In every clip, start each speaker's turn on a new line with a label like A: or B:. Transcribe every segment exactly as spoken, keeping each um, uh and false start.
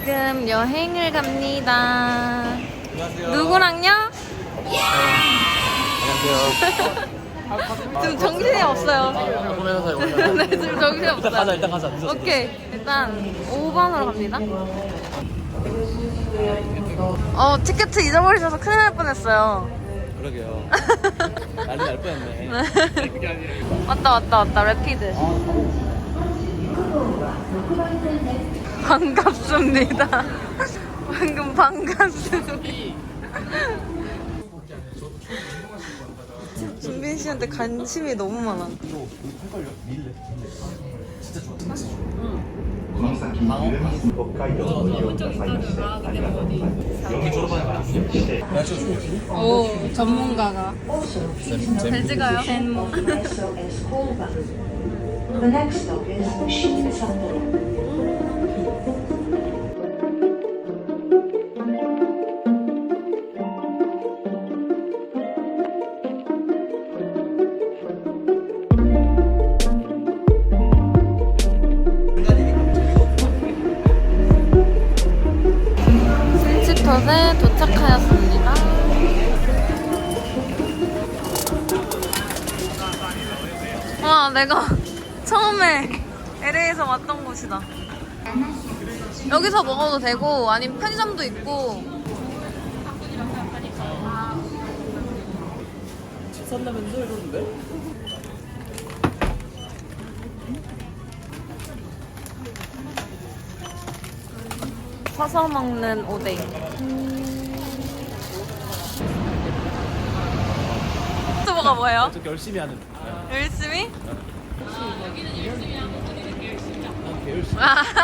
A: 지금 여행을 갑니다.
B: 안녕하세요.
A: 누구랑요?
B: 안녕하세요.
A: 지금 정신이 없어요. 네, 지금 정신이 없어요.
B: 가자, 일단 가자. 늦었어,
A: 오케이, 일단 오 번으로 갑니다. 어, 티켓 잊어버리셔서 큰일 날 뻔했어요.
B: 그러게요. 난리 날 뻔했네.
A: 왔다 왔다 왔다 래피드. 반갑습니다. 방금 반갑습니다. 준빈 씨한테 관심이 너무 많아. 오, 전문가가. 돼지가요? 젠모.
C: The next stop is Shinsato.
A: 신치톳에 도착하였습니다. 와, 내가 처음에 엘에이에서 왔던 곳이다. 여기서 먹어도 되고 아니면 편의점도 있고.
B: 집 산다면서 이러는데?
A: 서서 먹는 오뎅. 유튜버가 뭐예요?
B: 저 열심히 하는.
A: 열심히?
B: 난 개 열심히.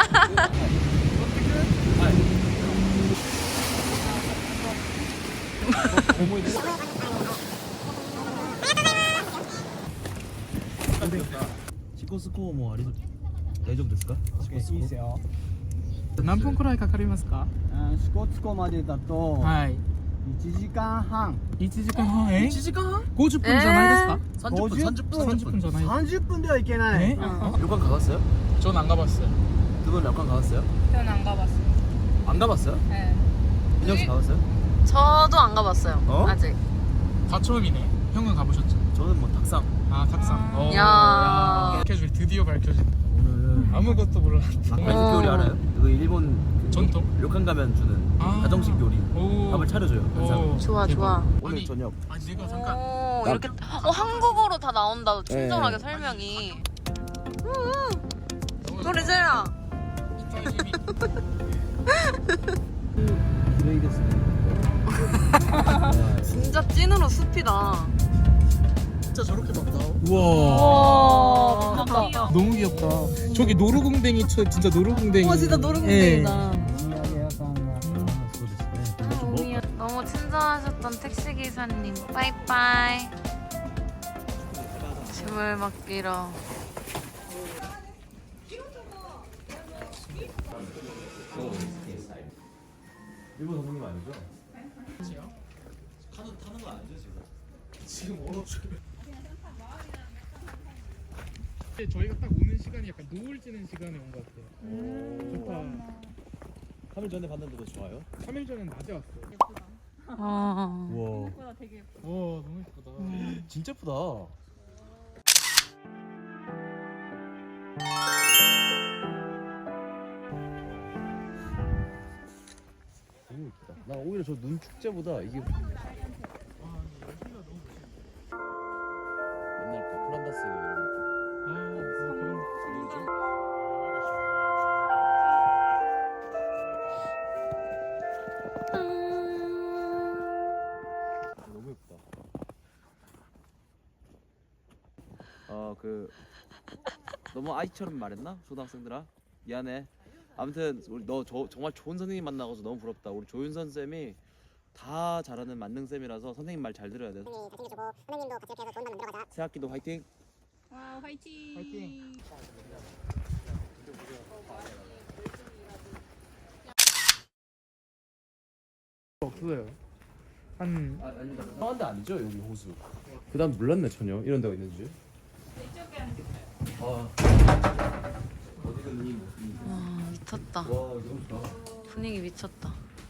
B: 시코 스코어 뭐 아리大丈夫ですか？
D: いいですよ。何分くらいかかりますか？
E: 支笏湖までだと
D: はい。
E: いちじかんはん。
D: いちじかんはんえ？
B: 일時間?
D: 오십分じゃないですか？
B: 삼십 분, 삼십 분,
D: 삼십 분じゃない。
E: 삼십 분ではいけな
D: え？
E: い。
B: 료관 가봤어요?
D: 저는 안 가봤어요.
B: 두 분 료관 가봤어요?
A: 저는 안 가봤어요.
B: 안 가봤어요?
A: 네.
B: 민영 씨 가봤어요?
A: 저도 안 가봤어요.
B: 어?
A: 아직.
D: 다 처음이네. 형은 가보셨죠?
B: 저는 뭐 닭상.
D: 아 탁상. 어.
A: 야.
D: 밝혀줄 드디어 밝혀진.
B: 오늘은
D: 아무것도 몰랐는데.
B: 발색 요리 알아요? 이거 일본 그
D: 전통?
B: 료칸 가면 주는
D: 아.
B: 가정식 요리.
D: 오.
B: 밥을 차려줘요 항상.
D: 오,
A: 좋아,
D: 대박.
A: 좋아.
B: 오늘
D: 아니,
B: 저녁.
D: 아니 내가 잠깐.
A: 오, 이렇게 어, 한국어로 다 나온다. 친절하게 설명이. 음. 노래 잘라.
B: 기레이 됐어요.
A: 진짜 찐으로 숲이다.
B: 진짜 저렇게 막 나오?
D: 우와.
A: 와, 미쳤다.
D: 너무 귀엽다. 저기 노루궁뎅이 쳐 진짜 노루궁뎅이.
A: 와, 진짜 노릇노릇이다. 너무 친절하셨던 택시기사님, 빠이빠이. 짐을 맡기러.
B: 일본 선생님 아니죠?
D: 타는 타는 거 아니죠 지금? 지금 얼어줘요. 저희가 딱 오는 시간이 약간 노을 지는 시간에 온 것 같아요. 좋다.
B: 삼 일 전에 봤는데도 좋아요?
D: 삼 일 전엔 낮에 왔어요.
A: 어.
B: 우와.
D: 와 너무 예쁘다.
B: 진짜 예쁘다. 너무 예쁘다. 나 오히려 저 눈 축제보다 이게 옛날 그 플란다스 이런
D: 아, 뭐 그런
B: 뭐지? 너무 예쁘다. 아 그 너무 아이처럼 말했나? 초등학생들아 미안해. 아무튼 우리 너 저, 정말 좋은 선생님 만나고서 너무 부럽다. 우리 조윤선 쌤이 다 잘하는 만능 쌤이라서 선생님 말 잘 들어야 돼.
F: 선생님이 다 챙겨주고 선생님도 같이 이렇게 해서 좋은 반 만들어 가자.
B: 새 학기도 화이팅.
A: 와, 화이팅.
D: 파이팅. 없어요. 한
B: 아, 아닙니다. 성한 데 아니죠 여기 호수. 그다음 몰랐네 전혀 이런 데가 있는지. 아 어디든 이.
A: 와, 미쳤다.
B: 와 너무 좋다.
A: 분위기 미쳤다.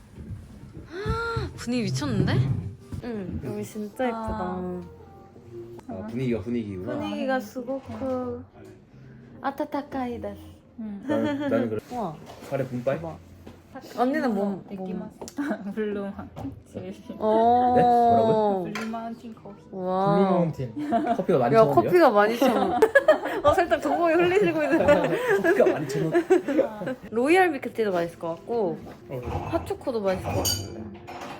A: 분위기 미쳤는데? 응, 여기 진짜 예쁘다.
B: 아, 분위기가 분위기구나.
A: 분위기가 수고쿠 아타타카이 데스.
B: 나는, 나는 그래.
A: 우와.
B: 카레 분빨?
A: 언니는 뭐? 뭐?
G: 블루만 제일
A: 어.
B: 네? 뭐라고요?
G: 블루마운틴 커피.
A: 와.
D: 블루마운틴.
B: 커피가 많이
A: 야
B: 천 원이요?
A: 커피가 많이 천 원. 어 살짝 동공이 흘리시고 있는데.
B: 커피가 많이 천 원.
A: 로얄 밀크티도 맛있을 것 같고
D: 어.
A: 핫초코도 맛있을 것 같은데.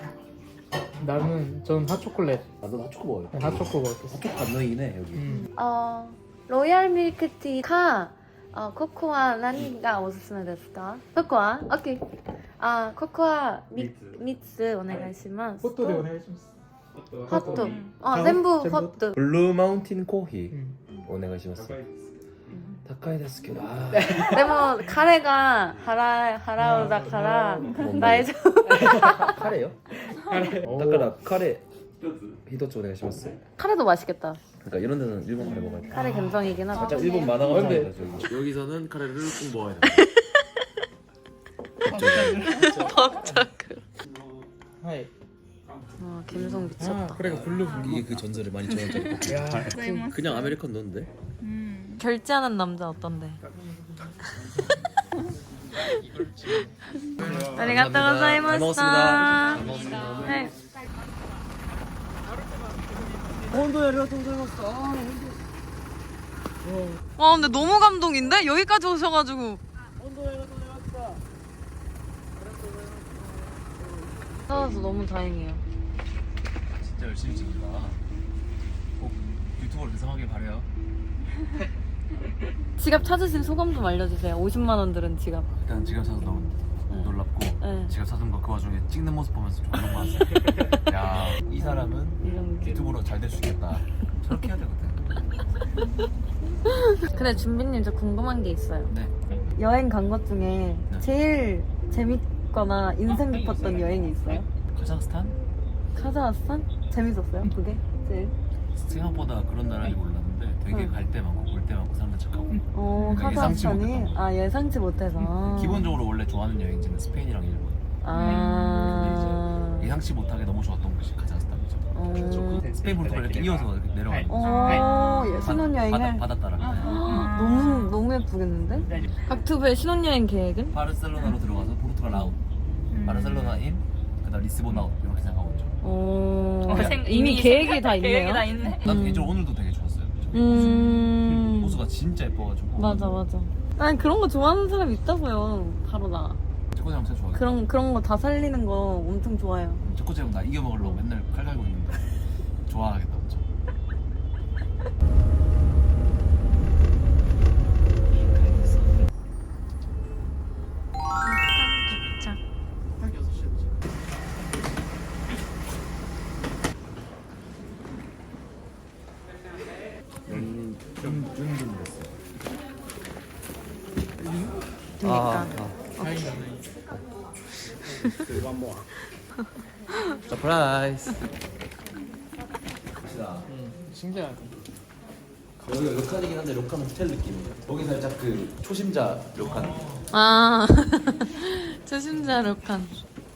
D: 나는 전 핫초콜릿.
B: 나도 핫초코 먹어요.
D: 네, 핫초코 먹었어.
B: 핫초코 감성이네 여기.
D: 음.
A: 어 로얄 밀크티가 어 코코아何がおすすめですか? 코코아? 오케이. 아 코코아 미 미츠お願いします.
D: ホットでお願いします。
A: 핫도. 어
D: 아,
A: 전부
D: 전부
A: 핫도.
B: 블루 마운틴 코히
D: 음.
B: 오네가시마스. 다카이 데스케도. 아.
A: でも彼が払払うだから大丈
B: 카레요?
D: 카레.
B: 다카라 카레 히도츠 오네가시마스.
A: 카레도 맛있겠다.
B: 그러니까 이런 데는 일본 카레 먹어야 돼.
A: 카레 감성이긴 하다.
B: 살짝 일본 만화
D: 어, 근데-
B: 감성이다 저기. 여기서는 카레를 꼭 먹어야 돼.
D: 하이.
A: 와 감성
D: 아,
A: 미쳤다.
D: 그래 블루 블루.
B: 이게 그 전설의 만 이천 원짜리 커피.
D: 야.
B: 그냥 아메리칸 넣는데?
A: 결제하는 남자 어떤데? 아리가또
B: 잘 먹었습니다.
A: 고자이마시타. 네.
E: 本当にありがとうございました。あー本
A: 와 근데 너무 감동인데? 여기까지 오셔가지고.
E: 当本当にありがとうございました。
A: 찾아서 너무 다행이에요.
B: 진짜 열심히 찍는다. 꼭 유튜버로 대성하길 바래요.
A: 지갑 찾으신 소감 좀 알려주세요. 오십만 원 들은 지갑.
B: 일단 지갑 사서 너무 놀랍고
A: 네.
B: 지갑 사둔 거 그 와중에 찍는 모습 보면서 좀 너무 많았어요. 야, 이 사람은
A: 이런 게.
B: 유튜브로 잘 될 수 있겠다. 저렇게 해야 되거든.
A: 근데 준비님 저 궁금한 게 있어요.
B: 네.
A: 여행 간 것 중에
B: 네.
A: 제일 재밌거나 인상 깊었던 여행이 있어요?
B: 카자흐스탄?
A: 카자흐스탄? 재밌었어요? 그게 제일?
B: 생각보다 그런 나라인지 몰랐는데 되게
A: 응.
B: 갈 때 많고 볼 때 많고 사람들 착하고.
A: 어
B: 그러니까 예상치
A: 카자흐스탄이?
B: 못했던
A: 아 예상치 못해서.
B: 기본적으로 원래 좋아하는 여행지는 스페인이랑 일본.
A: 아.
B: 예상치 못하게 너무 좋았던 곳이 카자흐스탄이죠.
A: 어.
B: 스페인 포르투갈 이렇게 이어서 이렇게 내려가는 거.
A: 어, 예, 신혼여행을
B: 바다, 바다 따라. 네.
A: 너무 너무 예쁘겠는데? 각투브의 신혼여행 계획은?
B: 바르셀로나로 들어가서 포르투갈 아웃, 바르셀로나 인, 그다음 리스본 아웃 이렇게 생각하고 있죠.
A: 어,
G: 어, 생-
A: 이미
G: 이미
A: 계획이 다 있네요.
G: 계획이 다 있네.
B: 난
A: 음.
B: 개인적으로 오늘도 되게 좋았어요.
A: 음.
B: 호수가 진짜 예뻐가지고.
A: 맞아 맞아. 난 그런 거 좋아하는 사람 있다고요. 바로 나.
B: 체코제 형 진짜 좋아해.
A: 그런 그런 거 다 살리는 거 엄청 좋아해요.
B: 체코제 형나 이겨 먹으려고 맨날 칼 갈고 있는데 좋아하겠다 엄청.
D: 딱 여섯 시였지.
B: 준준 됐어.
A: 그러니까.
D: 다행이다.
B: 서프라이즈. 갑시다.
D: 신기하다.
B: 여기가 료칸이긴 한데 료칸 호텔 느낌이에요. 거기 살짝 그 초심자 료칸.
A: 아 초심자 룩한.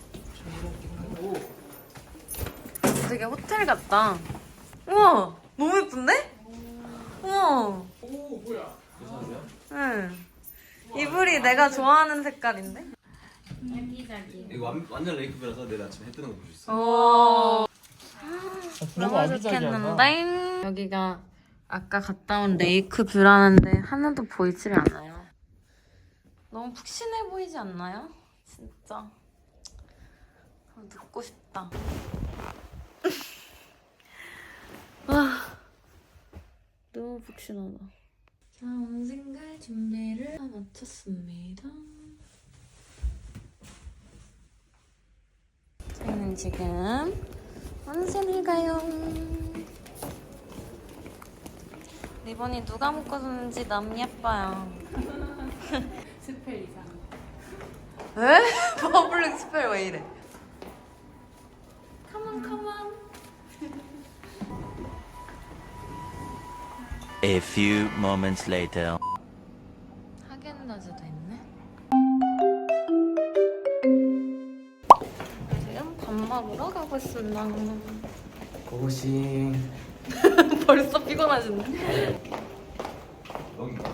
A: 되게 호텔 같다. 우와 너무 예쁜데? 우와.
D: 오 뭐야?
A: 응. 이불이 내가 좋아하는 색깔인데?
B: 이거 완, 완전 레이크뷰라서 내일 아침에 해 뜨는 거 볼 수 있어.
A: 오.
D: 너무
A: 너무
D: 아기자기하다.
A: 좋겠는데? 여기가 아까 갔다 온 레이크 뷰라는데 하나도 보이질 않아요. 너무 푹신해 보이지 않나요? 진짜. 눕고 싶다. 와, 너무 푹신하다. 자, 온생갈 준비를 다 마쳤습니다. 저희는 지금 온센을 가요. 리본이 누가 묶어줬는지 너무 예뻐요.
G: 스펠 이상.
A: 에? 퍼블릭 스펠 왜 이래? 컴온 컴온.
H: A few moments later.
A: 하겐다즈도 있네. 먹으러 가고 있습니다.
E: 고고싱.
A: 벌써 피곤하신데?
B: 여기가.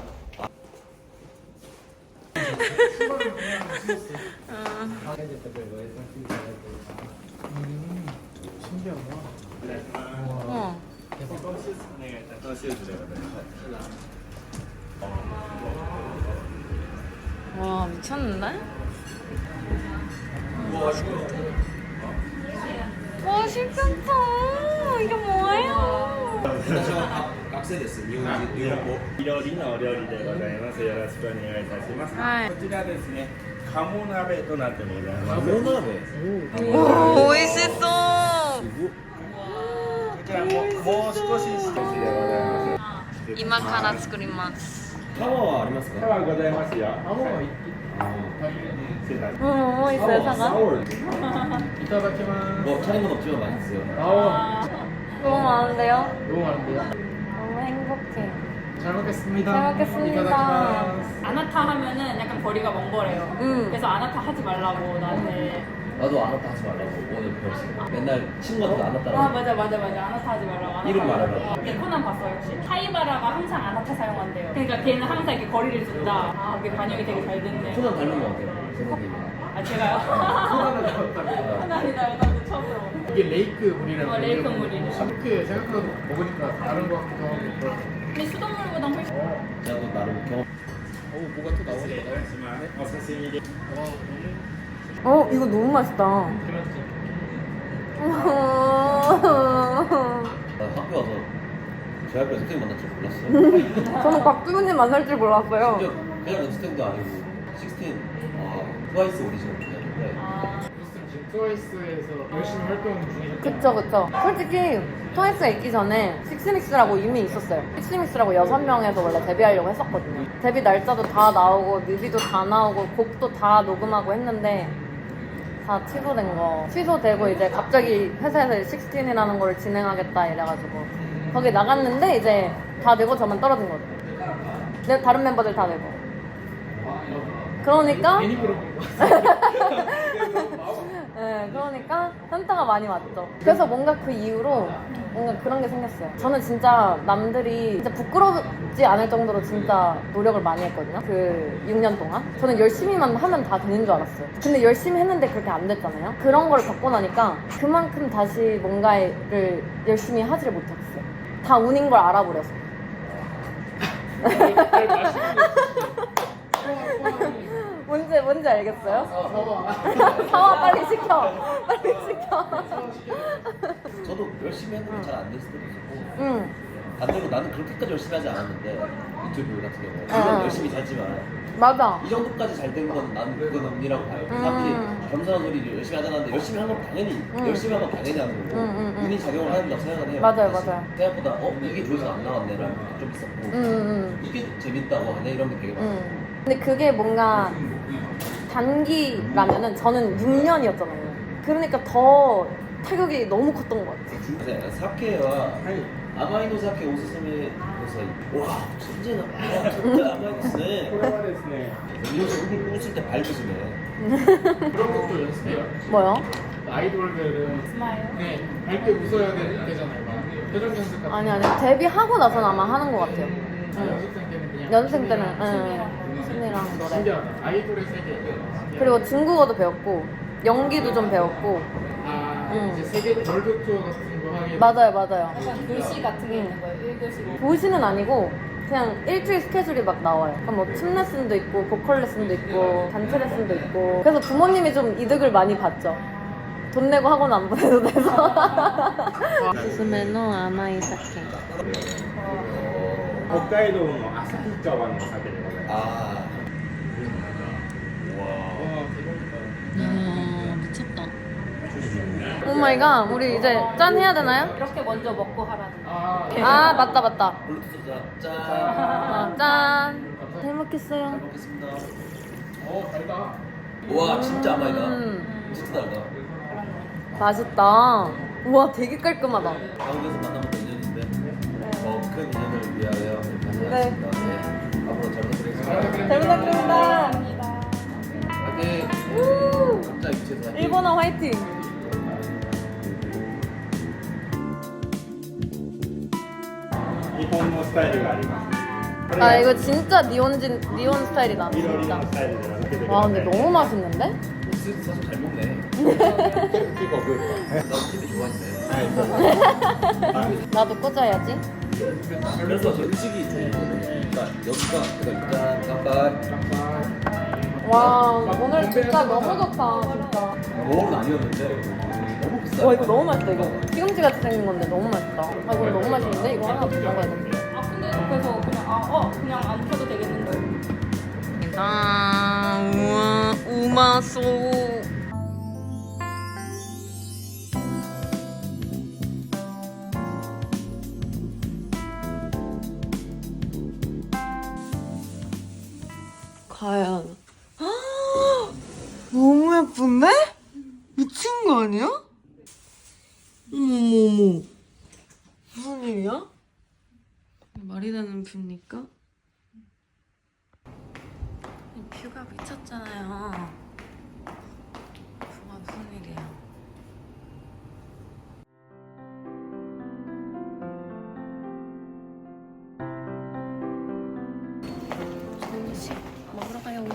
D: 음, 신기하다.
A: 어. 와 미쳤는데? 와 신기하다. 이게 뭐예요?
B: 각색됐어. 이거 이거 뭐?
I: いろりのお料理でございます。よろしくお願いいたします。
A: はい
I: こちらですね、鴨鍋となってございます。
B: 모나베.
A: 오 오이시소.
I: こちらももう少し少しでございます。
A: 今から作ります。
B: 파워가 아리마스
I: パワーございますよ。
D: 아무거나 있,
I: 失礼いたし
A: 응, 뭐 있어요, 사과?
D: 이타다키마스.
B: 뭐 차린 건 없지만 맛있어요.
D: 아오,
A: 너무 많은데요?
D: 너무 많은데요?
A: 너무 행복해.
D: 잘 먹겠습니다.
A: 잘 먹겠습니다.
D: 이타다키마스.
G: 아나타 하면은 약간 거리가 먼 거래요.
A: 응.
G: 그래서 아나타 하지 말라고 나한테.
B: 나도 안 왔다 하지 말라고 오늘 배웠어. 맨날 친구한테 안
G: 아
B: 왔다라고.
G: 맞아 맞아 맞아 아나타 하지 말라고. 아나타
B: 이름
G: 하지
B: 말해봐.
G: 말라고. 근데 코난 봤어 역시. 타이바라가 항상 아나타 사용한대요. 그러니까 걔는 항상 이렇게 거리를 둔다. 아 그게 반영이 되게 잘 됐네.
B: 코난 닮은 거 같아요. 제 느낌이.
G: 아 제가요?
D: 코난을 닮았다고.
G: 코난이다 나도 처음 들어.
D: 이게 레이크 물이라고.
G: 어, 레이크 물이래.
D: 이렇게 생각보다 먹으니까 다른 것 같기도 하고. 그렇고.
G: 근데 수돗물보다 훨씬.
B: 나도 나름 경험.
D: 어, 뭐가 또
I: ます。失礼い
D: 나오네.
I: たします。お刺身で。
D: 와,
A: 어, 이거 너무 맛있다.
D: 그렇지.
B: 나 학교 와서 제 학교에 스탠 만날 줄 몰랐어요.
A: 저는 박주부님 만날 줄 몰랐어요.
B: 심지어 그냥 스탠도 아니고 십육 아 트와이스 오디션이었는데
D: 무슨 지금 트와이스에서 열심히 활동 중이셨죠?
A: 그쵸, 그쵸. 솔직히 트와이스가 있기 전에 식스믹스라고 이미 있었어요. 식스믹스라고 여섯 명에서 원래 데뷔하려고 했었거든요. 데뷔 날짜도 다 나오고 뮤비도 다 나오고 곡도 다 녹음하고 했는데 다 취소된 거. 취소되고 이제 갑자기 회사에서 식스틴이라는 걸 진행하겠다 이래가지고 거기 나갔는데 이제 다 되고 저만 떨어진 거죠. 내 다른 멤버들 다 되고. 그러니까
D: 괜히 물어본 거 같아.
A: 네, 그러니까 현타가 많이 왔죠. 그래서 뭔가 그 이후로 뭔가 그런 게 생겼어요. 저는 진짜 남들이 진짜 부끄럽지 않을 정도로 진짜 노력을 많이 했거든요. 그 육 년 동안. 저는 열심히만 하면 다 되는 줄 알았어요. 근데 열심히 했는데 그렇게 안 됐잖아요. 그런 걸 겪고 나니까 그만큼 다시 뭔가를 열심히 하지를 못했어요. 다 운인 걸 알아버려서.
D: 잘 마시는 거
A: 뭔지, 뭔지 알겠어요?
D: 사와.
A: 사와 빨리 시켜. 빨리 시켜.
B: 저도 열심히 했는데 잘 안 됐을 때도 있었고
A: 응.
B: 반대로 나는 그렇게까지 열심히 하지 않았는데 유튜브 같은 경우
A: 어.
B: 물론 열심히 잘지만
A: 맞아.
B: 이 정도까지 잘 된 건 나는 그건 운이라고 봐요.
A: 음.
B: 사람들이 겸손한 소리를 열심히 하자는데 열심히 한 건 당연히
A: 음.
B: 열심히 한 건 당연히 하는 거고
A: 음, 음, 음.
B: 운이 작용을 하는다고 생각을 해요.
A: 맞아요,
B: 사실.
A: 맞아요.
B: 생각보다 어 이게 조회수 안 나왔네라는 것도 좀 있었고
A: 응, 응,
B: 이게 재밌다고 하네 이런 게 되게 많아요.
A: 응. 근데 그게 뭔가 단기라면은 저는 육 년이었잖아요. 그러니까 더 타격이 너무 컸던 것 같아요.
B: 네, 사케와 아마이노 사케 오스스메 고사이. 와 천재나 와 진짜 아마이노스네.
I: これはですね、
B: 이러면서 얼굴 웃을 때 밝으시네.
D: 그런 것도 연습해요.
A: 뭐요?
D: 아이돌들은
G: 스마일.
D: 네, 밝게 웃어야 되- 되잖아요. 막 표정 연습 같은
A: 아니 아니 데뷔하고 나서는 아마 하는 것 같아요.
D: 거.
A: 응.
D: 연습생 때는 그냥
A: 연습생 때는
D: 춤이랑
A: 응. 춤이랑 노래.
D: 신기하다. 아이돌의 세계.
A: 그리고 중국어도 배웠고 연기도 좀 배웠고.
D: 아,
A: 응.
D: 이제 세계 월드 투어 같은 거 하게.
A: 맞아요, 맞아요.
G: 약간 교시 같은 게 있는 거예요. 일 교시.
A: 도시는 아니고 그냥 일주일 스케줄이 막 나와요. 그럼 뭐 춤 레슨도 있고 보컬 레슨도 있고 단체 레슨도 있고. 그래서 부모님이 좀 이득을 많이 봤죠. 돈 내고 학원 안 보내도 돼서. 스스메노 아마이 사케.
I: 北海道の旭川のお酒でございます。
B: 아.
D: 와, 대박이다.
A: 아 미쳤다. 오 마이 갓. 우리 이제 짠 해야 되나요?
G: 이렇게 먼저 먹고 하라는.
D: 아,
A: 아 맞다 맞다.
B: 블루투스 짠.
A: 아, 짠. 잘 먹겠어요.
B: 잘 먹겠습니다.
D: 어, 달다.
B: 와 진짜 아마이다.
A: 음.
B: 진짜 달다.
A: 맛있다. 우와 되게 깔끔하다.
B: 한국에서 만나면 또 인연인데 더큰 인연을 위하여
A: 네.
B: 다녀왔습니다. 네. 앞으로 잘 부탁드리겠습니다.
A: 잘 부탁드립니다.
B: 화이팅! 각자 위치에서 화이팅!
A: 일본어 화이팅.
I: スタイルがあります。
A: 아 이거 진짜 니온진 니온 스타일이다
I: 緑
A: 진짜.
I: のスタイルで分けてくだ
A: 와
I: さい。
A: 근데 너무 맛있는데?
B: 사실 잘 먹네. 끼가 그, 나 TV 좋아하는데.
A: 나도 꽂아야지.
B: 그래서 저 음식이 좀, 그러니까 여기가 그러니까 일단 깜빡.
A: 와 오늘 진짜 너무 좋다 진짜.
B: 먹은 아니었는데 너무 비싸.
A: 와 이거 너무 맛있다 이거. 시금치 같이 생긴 건데 너무 맛있다. 아 이거 너무 맛있는데 이거 하나 더 먹어야 돼.
G: 아 근데 그래서 그냥 아 어 그냥 안 켜도 되겠는데.
A: 아 우와 우마소.
J: 과연 너무 예쁜데? 미친 거 아니야? 어머머머 무슨 일이야? 말이 되는 뷰입니까? 이 뷰가 미쳤잖아요. 뷰가 무슨 일이야? 정식 먹으러 가요.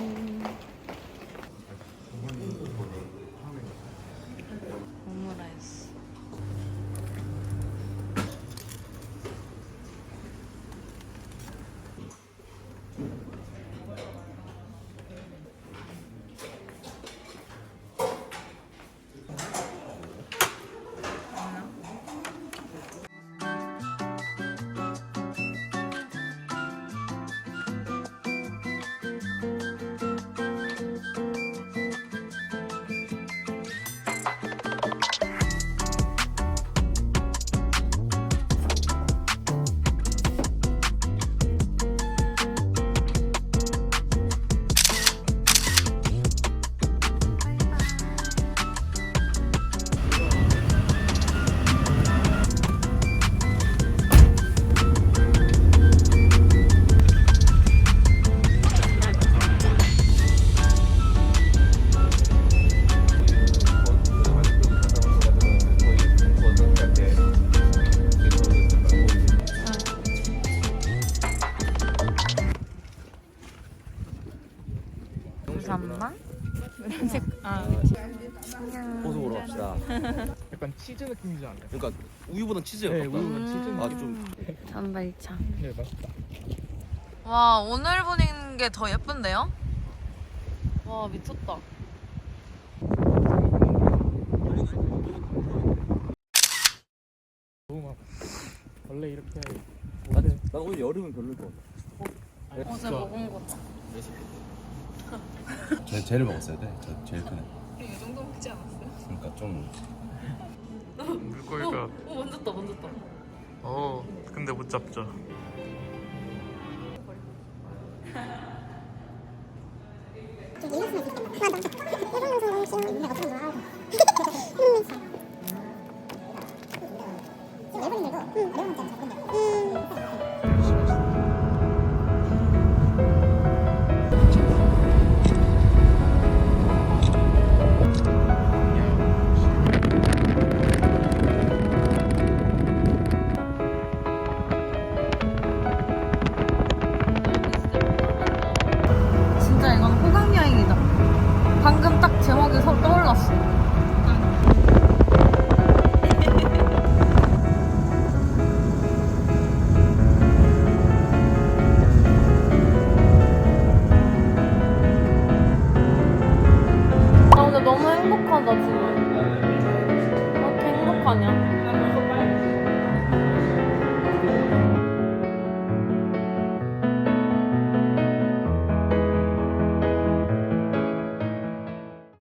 J: 오므라이스.
A: 잠만.
B: 호수 보러 갑시다.
D: 약간 치즈 느낌이지 않나요?
B: 그러니까 우유보다 치즈가
D: 네,
B: 가깝다.
D: 우유보다 치즈 느낌.
B: 아 좀.
A: 전발차.
D: 네, 맛있다.
J: 와 오늘 보는 게 더 예쁜데요?
A: 와 미쳤다.
D: 너무 막 원래 이렇게
B: 난, 난 오늘 여름은 별로일 것 같아.
A: 어제 먹은 거.
K: 제, 쟤를 먹었어야 돼. 저 제일 크네. 이 정도 먹지 않았어요? 그러니까 좀.
D: 물고기가
A: 어 만졌다 만졌다.
D: 어 근데 못 잡죠.
A: 진짜 이건 호강 여행이다. 방금 딱 제목이 서- 떠올랐어.